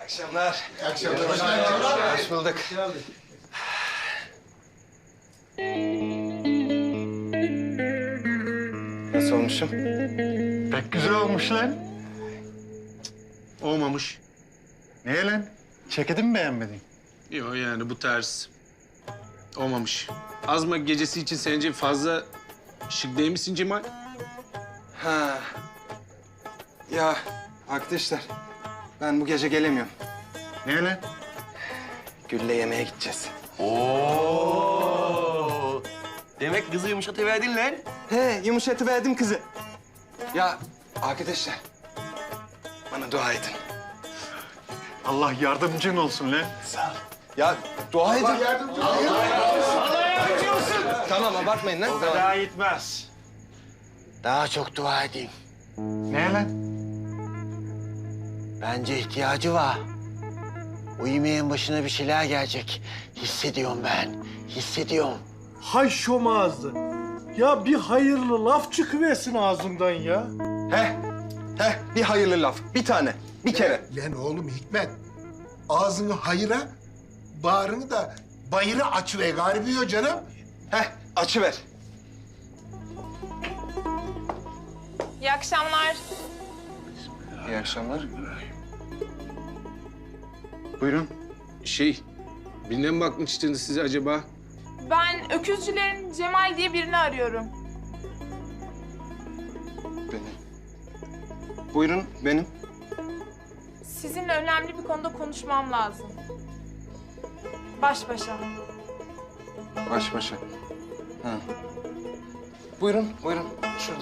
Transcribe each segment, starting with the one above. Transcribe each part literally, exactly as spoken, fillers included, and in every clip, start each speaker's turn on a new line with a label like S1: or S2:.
S1: akşamlar.
S2: İyi akşamlar.
S1: Hoş bulduk. Nasıl olmuşum?
S3: Pek güzel olmuş lan. Olmamış. Niye lan? Ceketi mi beğenmedin?
S4: Yok yani bu ters. Olmamış. Azma gecesi için sence fazla şık değil misin Cemal?
S1: Ha. Ya arkadaşlar, ben bu gece gelemiyorum.
S3: Niye lan?
S1: Gül'le yemeğe gideceğiz.
S5: Oo. Demek kızı yumuşatıverdin lan.
S1: He, yumuşatıverdim kızı. Ya arkadaşlar, bana dua edin.
S3: Allah yardımcın olsun lan.
S1: Ya dua edin.
S2: Yardımcı ol.
S1: Tamam, abartmayın lan. Tamam.
S3: Daha gitmez.
S6: Daha çok dua edeyim.
S3: Niye lan?
S6: Bence ihtiyacı var. O yemeğin başına bir şeyler gelecek. Hissediyorum ben. Hissediyorum.
S7: Hay şom ağzı. Ya bir hayırlı laf çıkıversin ağzından ya.
S1: He, he, bir hayırlı laf. Bir tane, bir kere.
S2: Lan oğlum Hikmet. Ağzını hayıra, bağrını da bayırı açıver garibiyor canım.
S1: He, açıver.
S8: İyi akşamlar.
S1: İyi akşamlar.
S3: Buyurun.
S4: Şey, birine mi bakmıştınız siz acaba?
S8: Ben öküzcülerin Cemal diye birini arıyorum.
S1: Benim. Buyurun, benim.
S8: Sizinle önemli bir konuda konuşmam lazım. Baş başa.
S1: Baş başa. Ha. Buyurun, buyurun. Şurada.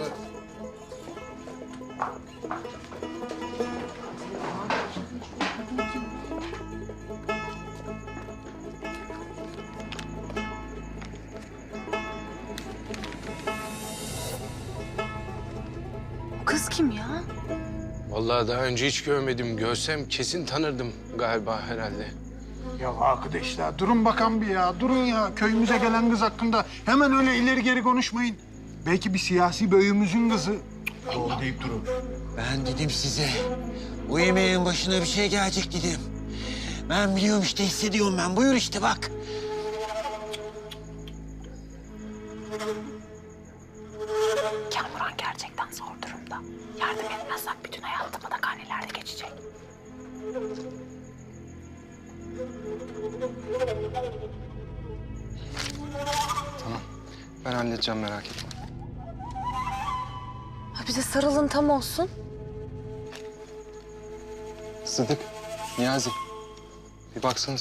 S9: Kız kim ya?
S4: Vallahi daha önce hiç görmedim. Görsem kesin tanırdım galiba herhalde.
S3: Ya arkadaşlar durun bakan bir ya. Durun ya. Köyümüze gelen kız hakkında hemen öyle ileri geri konuşmayın. Belki bir siyasi beyimizin kızı. Allah deyip durun.
S6: Ben dedim size. O yemeğin başına bir şey gelecek dedim. Ben biliyorum işte, hissediyorum ben. Buyur işte bak.
S9: Kamuran gerçekten zor durumda. Yardım etmezsek bütün hayatı batakhanelerde geçecek.
S1: Tamam. Ben halledeceğim, merak etme.
S9: Ha bize sarılın tam olsun.
S1: Sıdık, Niyazi. Bir baksanıza.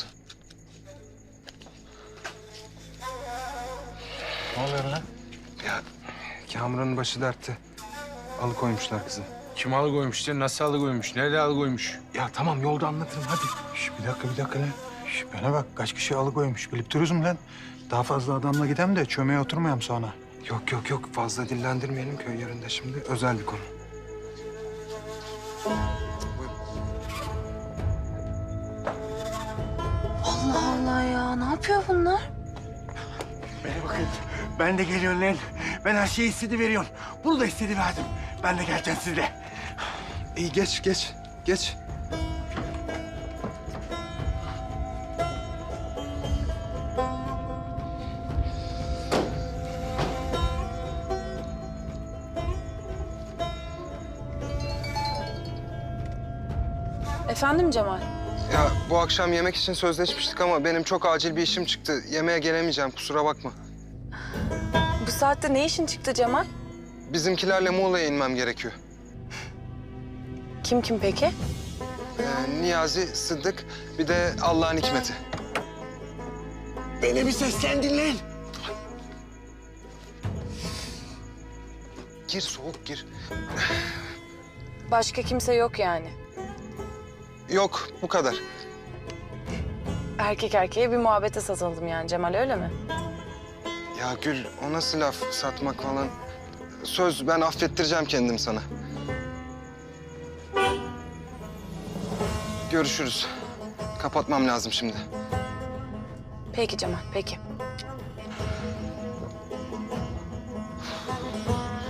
S3: Ne oluyor lan?
S1: Ya Kamuran'ın başı dertte. Alıkoymuşlar kızı.
S4: Kim alıkoymuş ya? Nasıl alıkoymuş? Nerede alıkoymuş?
S1: Ya tamam, yolda anlatırım hadi.
S3: Şş, bir dakika bir dakika lan. Şş, bana bak kaç kişi alıkoymuş. Bilip dururuz mu lan? Daha fazla adamla gidem de çömeğe oturmayalım sonra.
S1: Yok yok yok, fazla dillendirmeyelim köy yerinde şimdi. Özel bir konu.
S9: Allah Allah ya, ne yapıyor bunlar?
S6: Bana bakın. Ben de geliyorum lan. Ben her şeyi hissediveriyorum. Bunu da hissediverdim. Ben de geleceğim sizle.
S1: İyi, geç geç geç.
S9: Efendim Cemal?
S1: Ya bu akşam yemek için sözleşmiştik ama benim çok acil bir işim çıktı. Yemeğe gelemeyeceğim, kusura bakma.
S9: Bu saatte ne işin çıktı Cemal?
S1: Bizimkilerle Muğla'ya inmem gerekiyor.
S9: Kim kim peki?
S1: Ee, Niyazi, Sıddık, bir de Allah'ın hikmeti.
S6: Beni bir seslendin lan.
S1: Gir, soğuk gir.
S9: Başka kimse yok yani.
S1: Yok, bu kadar.
S9: Erkek erkeğe bir muhabbete satıldım yani Cemal, öyle mi?
S1: Ya Gül, o nasıl laf, satmak falan? Söz, ben affettireceğim kendim sana. Görüşürüz. Kapatmam lazım şimdi.
S9: Peki Cemal, peki.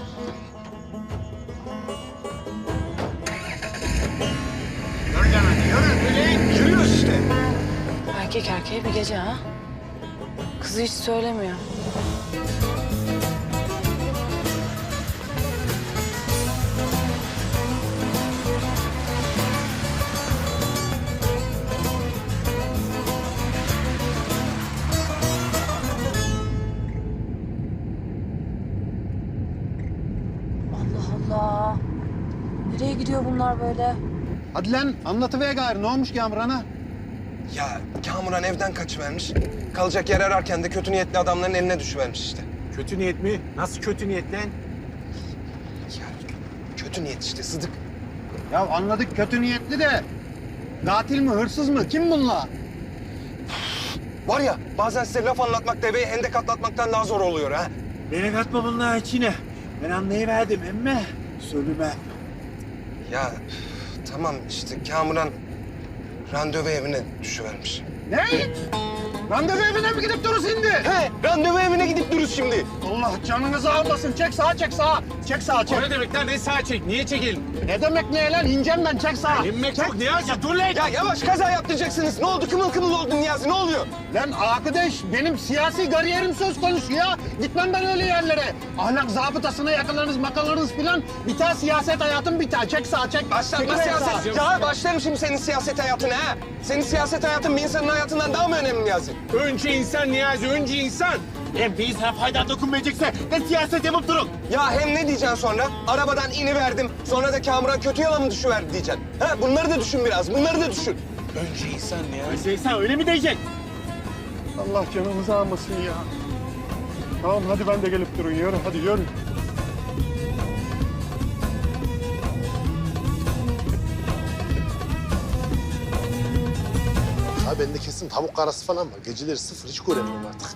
S3: Gör lan hadi Yürü Melek, yürüyoruz işte.
S9: Erkek erkeğe bir gece ha. Kızı hiç söylemiyor. Allah Allah. Nereye gidiyor bunlar böyle?
S3: Hadi lan anlatıver gayrı. Ne olmuş Kamuran'a?
S1: Ya Kamuran evden kaçıvermiş. Kalacak yer ararken de kötü niyetli adamların eline düşüvermiş işte.
S3: Kötü niyet mi? Nasıl kötü niyet lan?
S1: Ya kötü niyet işte Sıdık.
S3: Ya anladık kötü niyetli de. Katil mi, hırsız mı? Kim bunlar?
S1: Var ya bazen size laf anlatmak deveyi hendek atlatmaktan daha zor oluyor ha.
S7: Beni katma bunlar içine. Ben anlayıverdim emme. Söyleme.
S1: Ya üf, tamam işte Kamuran randevu evine düşüvermiş.
S3: Ne? Randevu evine mi gidip dururuz şimdi?
S1: He randevu evine gidip dururuz şimdi.
S3: Allah canınızı almasın. Çek sağa, çek sağa. Çek sağa, çek.
S4: O ne demek lan? Ne sağ çek? Niye çekelim?
S3: Ne demek ne lan? İneceğim ben, çek sağa.
S4: İnmek
S3: Çek.
S4: çok Niyazi. Dur lan.
S1: Ya yavaş kaza yaptıracaksınız. Ne oldu? Kımıl kımıl oldun Niyazi. Ne oluyor?
S3: Lan arkadaş, benim siyasi kariyerim söz konusu ya. Gitmem ben öyle yerlere. Ahlak zabıtasına yakalarınız, makalarınız filan. Biter siyaset hayatım biter. Çek sağa, çek.
S1: Başlatma
S3: Çekil
S1: siyaset.
S3: sağa.
S1: Ya başlarım şimdi senin siyaset hayatına ha. Senin siyaset hayatın bir insanın hayatından daha mı önemli Niyazi?
S4: Önce insan Niyazi, önce insan.
S7: Hem bir insana fayda dokunmayacaksa ne siyaset yapıp durun.
S1: Ya hem ne diyeceksin sonra? Arabadan iniverdim. Sonra da Kamuran kötü yola mı düşüverdi diyeceksin. Ha bunları da düşün biraz. Bunları da düşün.
S4: Önce insan Niyazi.
S7: Şey, sen öyle mi diyecek?
S3: Allah canımızı almasın ya. Tamam hadi ben de gelip durun. Yürü hadi yürü.
S10: Ha bende kesin tavuk karası falan var. Geceleri sıfır hiç göremiyorum artık.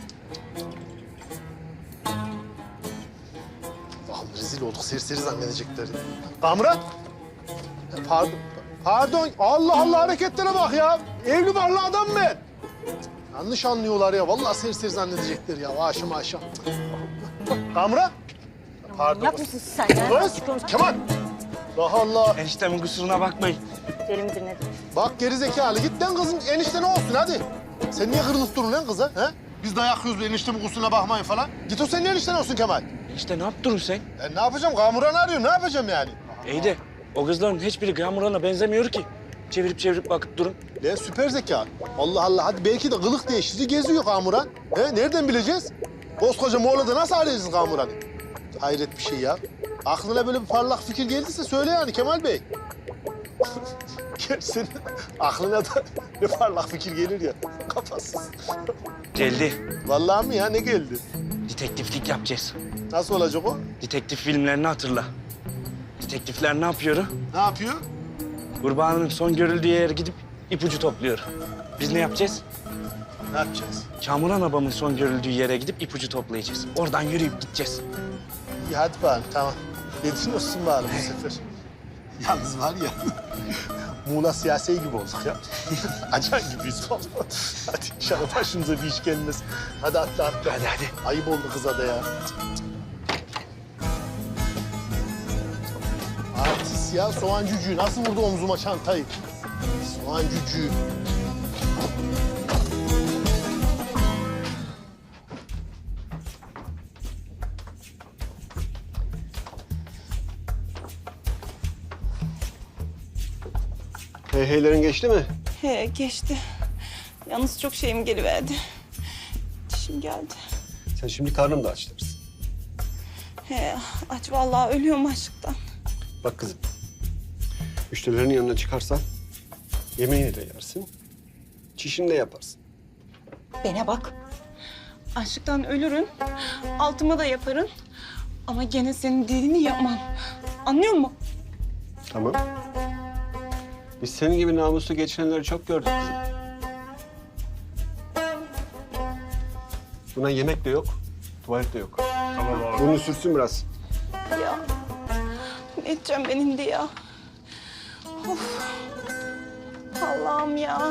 S10: Vallahi rezil olduk. Serseri zannedecekler. Kamuran. Ya Pardon. Pardon. Allah Allah hareketlere bak ya. Evli barklı adam ben. Yanlış anlıyorlar ya. Vallahi serseri zannedecekler ya. Aşım aşım. Kamuran. Pardon.
S9: Manyak mısın sen ya?
S10: Kız. Kemal. Allah Allah.
S5: Eniştemin kusuruna bakmayın.
S9: Deli midir nedir?
S10: Bak geri zekalı. Git lan kızım. Enişte ne olsun hadi. Sen niye kırılıp durun lan kıza? He? Biz dayak yiyoruz eniştemin kusuruna bakmayın falan. Git o senin enişten olsun Kemal.
S5: Enişte ne yaptın sen?
S10: Ben ne yapacağım? Kamuran arıyor. Ne yapacağım yani?
S5: İyi de o kızların hiçbiri Kamuran'a benzemiyor ki. Çevirip çevirip bakıp durun.
S10: Lan süper zeka. Allah Allah. Hadi belki de kılık değiştirici geziyor Kamuran. He? Nereden bileceğiz? Koskoca Moğol'da nasıl arayacağız Kamuran'ı? Hayret bir şey ya. Aklına böyle bir parlak fikir geldiyse söyle yani Kemal Bey. Gerçi senin aklına da ne parlak fikir gelir ya. Kafasız.
S5: Geldi.
S10: Vallahi mi ya? Ne geldi?
S5: Detektiflik yapacağız.
S10: Nasıl olacak o?
S5: Detektif filmlerini hatırla. Detektifler ne yapıyor?
S10: Ne yapıyor?
S5: Kurbanın son görüldüğü yere gidip ipucu topluyor. Biz ne yapacağız?
S10: Ne yapacağız?
S5: Kamuran abamın son görüldüğü yere gidip ipucu toplayacağız. Oradan yürüyüp gideceğiz.
S10: İyi hadi bakalım tamam. Dedin olsun bari bu sefer. Yalnız var ya, Muğla siyasi gibi olduk ya. Acan gibiyiz vallahi. Hadi inşallah başımıza bir iş gelmez. Hadi atla atla.
S5: Hadi hadi.
S10: Ayıp oldu kıza da ya. Artist ya, soğan cücüğü. Nasıl vurdu omzuma çantayı? Soğan cücüğü.
S11: Heyheylerin geçti mi?
S8: He geçti. Yalnız çok şeyim geliverdi. Dişim geldi.
S11: Sen şimdi karnım da açtırsın.
S8: He aç vallahi ölüyorum açlıktan.
S11: Bak kızım, müşterilerin yanına çıkarsan yemeğini de yersin, çişini de yaparsın.
S8: Bana bak. Açlıktan ölürüm. Altıma da yaparım. Ama gene senin dediğini yapmam. Anlıyor musun?
S11: Tamam. Biz senin gibi namuslu geçinenleri çok gördük kızım. Buna yemek de yok, tuvalet de yok. Tamam abi. Bunu sürsün biraz.
S8: Ya. Ne edeceğim benim de ya? Of. Allah'ım ya.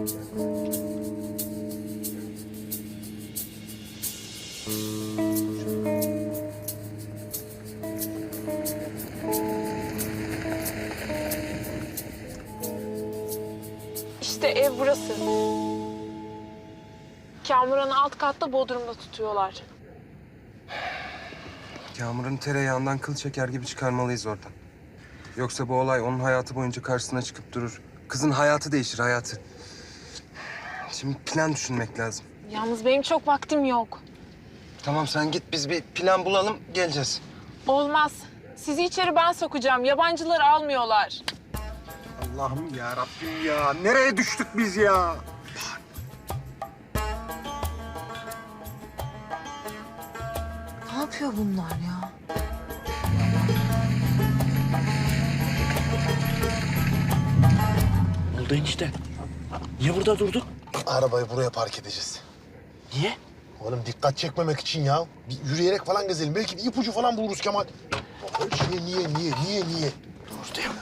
S9: İşte ev burası. Kamuran'ı alt katta Bodrum'da tutuyorlar.
S1: Kamuran'ı tereyağından kıl çeker gibi çıkarmalıyız oradan. Yoksa bu olay onun hayatı boyunca karşısına çıkıp durur. Kızın hayatı değişir, hayatı. Şimdi plan düşünmek lazım.
S9: Yalnız benim çok vaktim yok.
S1: Tamam sen git, biz bir plan bulalım, geleceğiz.
S9: Olmaz. Sizi içeri ben sokacağım. Yabancıları almıyorlar.
S3: Allah'ım ya Rabbim ya. Nereye düştük biz ya?
S9: Ne yapıyor bunlar ya?
S5: Oldu enişte. Niye burada durduk?
S10: Arabayı buraya park edeceğiz.
S5: Niye?
S10: Oğlum dikkat çekmemek için ya. Bir yürüyerek falan gezelim. Belki bir ipucu falan buluruz Kemal. Niye, niye, niye, niye, niye?
S5: Dur diyorum.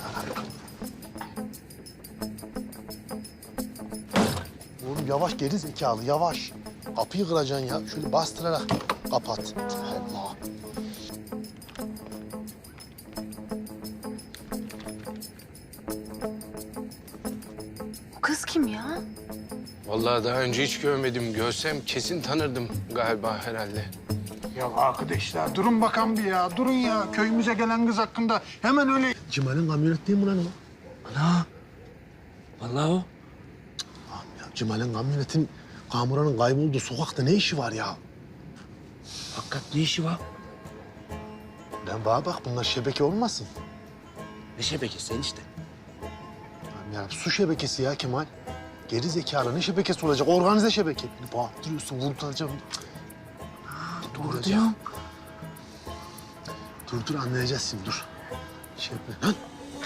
S10: Oğlum yavaş geri zekalı, yavaş. Kapıyı kıracaksın ya. Şöyle bastırarak kapat. Allah.
S9: Bu kız kim ya?
S4: Vallahi daha önce hiç görmedim. Görsem kesin tanırdım galiba herhalde.
S3: Ya arkadaşlar durun bakan bir ya. Durun ya. Köyümüze gelen kız hakkında hemen öyle...
S10: Cemal'in kamyonet değil mi lan o?
S5: Ana. Vallahi o.
S10: Tamam ya, Cemal'in kamyonetin Kamuran'ın kaybolduğu sokakta ne işi var ya?
S5: Hakikat ne işi var?
S10: Lan bana bak, bunlar şebeke olmasın.
S5: Ne şebekesi enişte?
S10: Tamam ya, su şebekesi ya Kemal. Geri zekalı ne şebekesi olacak? Organize şebeke. Beni bağırtırıyorsun, vurduracağım.
S5: Doğru diyorsun.
S10: Dur dur, anlayacağız şimdi, dur. Şey yapma. Lan!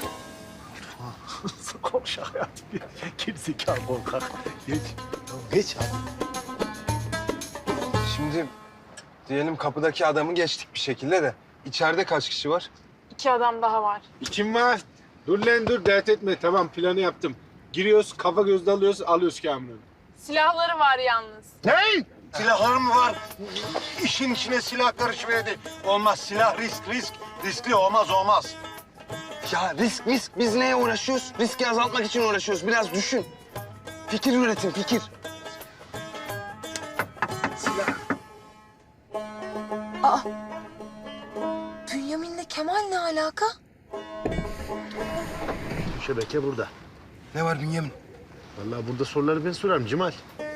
S10: Korkak hayatım. Geri zekalı korkak. Geç. Geç hadi.
S1: Şimdi diyelim kapıdaki adamı geçtik bir şekilde de. İçeride kaç kişi var?
S9: İki adam daha var.
S7: Kim var? Dur lan dur, dert etme. Tamam, planı yaptım. Giriyoruz, kafa gözde alıyoruz, alıyoruz Kamuran'ı.
S9: Silahları var yalnız.
S3: Ne? Silahlar mı var? İşin içine silah karışıverdi. Olmaz, silah risk, risk. Riskli olmaz, olmaz.
S1: Ya risk risk, biz neye uğraşıyoruz? Riski azaltmak için uğraşıyoruz. Biraz düşün. Fikir üretin, fikir.
S9: Bünyamin'le Kemal ne alaka?
S10: Şebeke burada.
S1: Ne var Bünyamin?
S10: Vallahi burada soruları ben sorarım Cemal.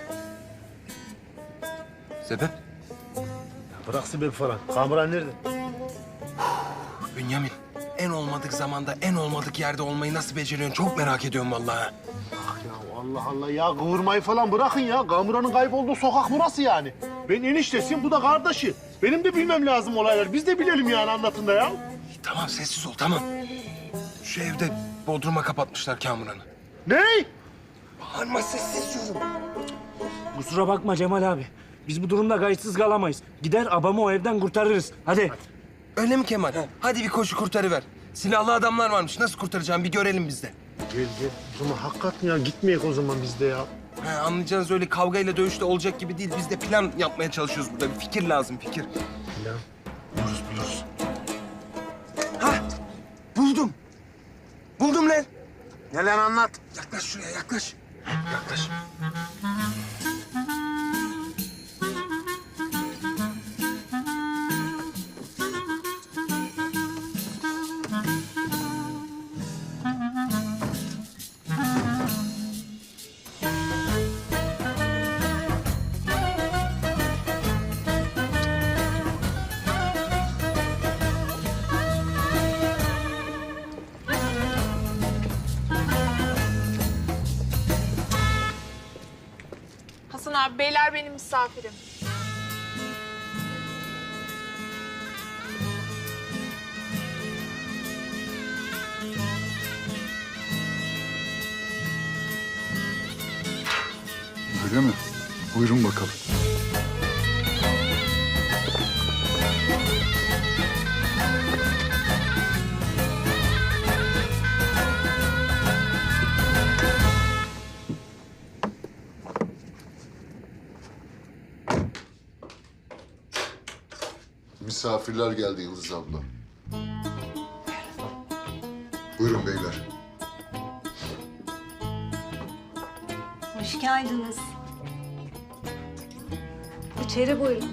S1: Sebep?
S10: Bırak sebep falan. Kamuran nerede?
S1: Bünyamin, en olmadık zamanda, en olmadık yerde olmayı nasıl beceriyorsun? Çok merak ediyorum vallahi.
S10: Ah ya Allah Allah ya, kıvırmayı falan bırakın ya. Kamuran'ın kaybolduğu sokak burası yani. Ben eniştesiyim, bu da kardeşi. Benim de bilmem lazım olaylar. Biz de bilelim yani, anlatın da ya.
S1: Tamam, sessiz ol, tamam. Şu evde Bodrum'a kapatmışlar Kamuran'ı.
S10: Ne?
S1: Bağırma, sessiz diyorum.
S5: Kusura bakma Cemal abi. Biz bu durumda kayıtsız kalamayız. Gider abamı o evden kurtarırız. Hadi.
S1: Öyle mi Kemal? Hadi bir koşu kurtarıver. Silahlı adamlar varmış. Nasıl kurtaracağım bir görelim biz de.
S10: Gel gel. O zaman hakikaten ya, gitmeyek o zaman biz de ya.
S1: He, anlayacağınız öyle kavgayla dövüşte olacak gibi değil. Biz de plan yapmaya çalışıyoruz burada. Bir fikir lazım, fikir.
S10: Plan.
S1: Buluruz, buluruz. Ha, buldum. Buldum lan.
S3: Ne lan, anlat.
S1: Yaklaş şuraya, yaklaş. Yaklaş.
S9: Hasan abi, beyler benim misafirim.
S3: Öyle mi? Buyurun bakalım.
S12: misafirler geldi Yıldız abla. Buyurun beyler.
S9: Hoş geldiniz. İçeri buyurun.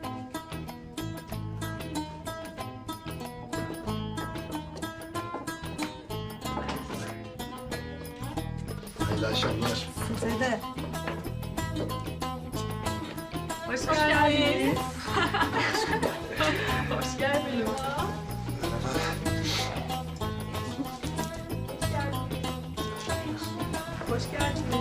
S10: Hayırlı akşamlar.
S9: Size de.
S8: Hoş geldiniz. Hoş geldiniz. Hoş geldiniz.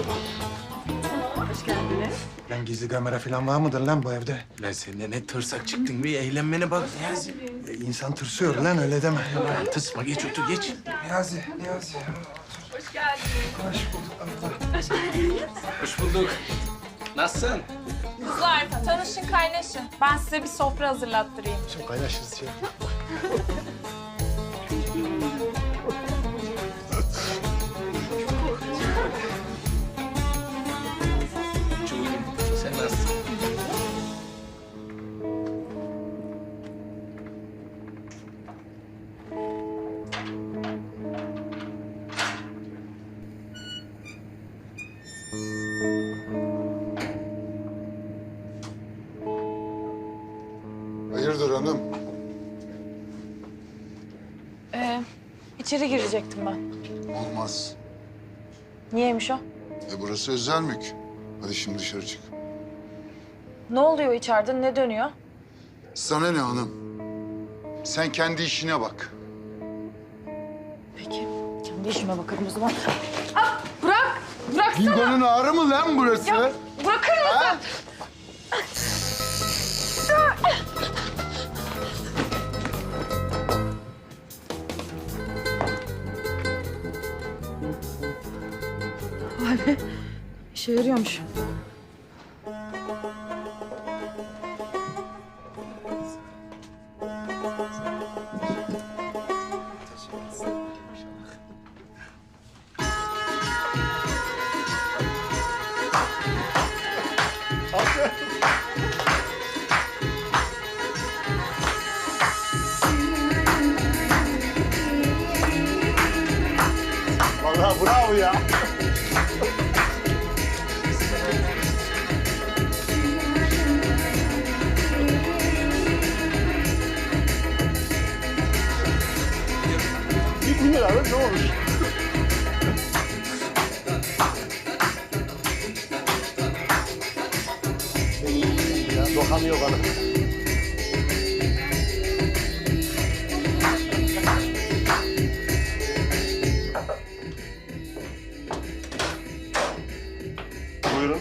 S8: Hoş geldiniz.
S3: Lan gizli kamera falan var mıdır lan bu evde?
S4: Lan sen de ne tırsak çıktın bir eğlenmene bak Niyazi.
S3: E, insan tırsıyor lan öyle deme.
S4: Lan tırsma geç otur geç.
S1: Niyazi, Niyazi.
S8: Hoş geldiniz.
S4: Hoş bulduk. Nasılsın?
S13: Kızlar tanışın kaynaşın. Ben size bir sofra hazırlattırayım.
S10: Şimdi kaynaşırız ya.
S4: Çok iyiyim. Sen nasılsın?
S12: Hayırdır hanım?
S13: Ee, içeri girecektim ben.
S12: Olmaz.
S13: Niyeymiş o?
S12: E burası özel mülk. Hadi şimdi dışarı çık.
S13: Ne oluyor içeride? Ne dönüyor?
S12: Sana ne hanım? Sen kendi işine bak.
S13: Peki. Kendi işime bakarım o zaman. Ah, bırak! Bıraksana!
S12: Bildanın ağrı mı lan burası?
S13: Ya, bırakır mısın? Abi, işe yarıyormuş.
S10: Vallahi bravo ya. Bir lira abi ne olmuş? Ya dokanıyor bana. Buyurun.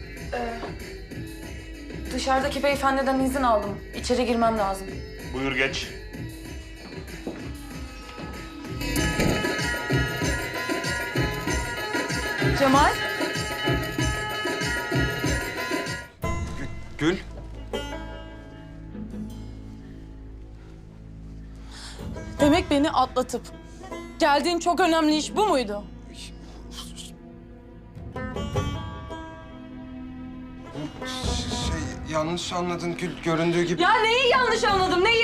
S13: Dışarıdaki beyefendiden izin aldım. İçeri girmem lazım.
S10: Buyur geç.
S13: Cemal?
S1: Gül.
S13: Demek beni atlatıp geldiğin çok önemli iş bu muydu?
S1: Şey, yanlış anladın Gül. Göründüğü gibi...
S13: Ya neyi yanlış anladım, neyi?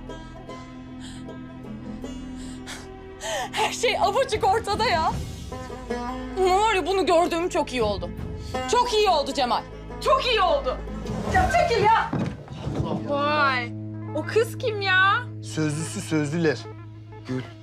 S13: Her şey apaçık ortada ya. Ama var ya bunu gördüğüm çok iyi oldu. Çok iyi oldu Cemal. Çok iyi oldu. Ya çekil ya. Vay. O kız kim ya?
S10: Sözlüsü sözlüler.
S1: Gül.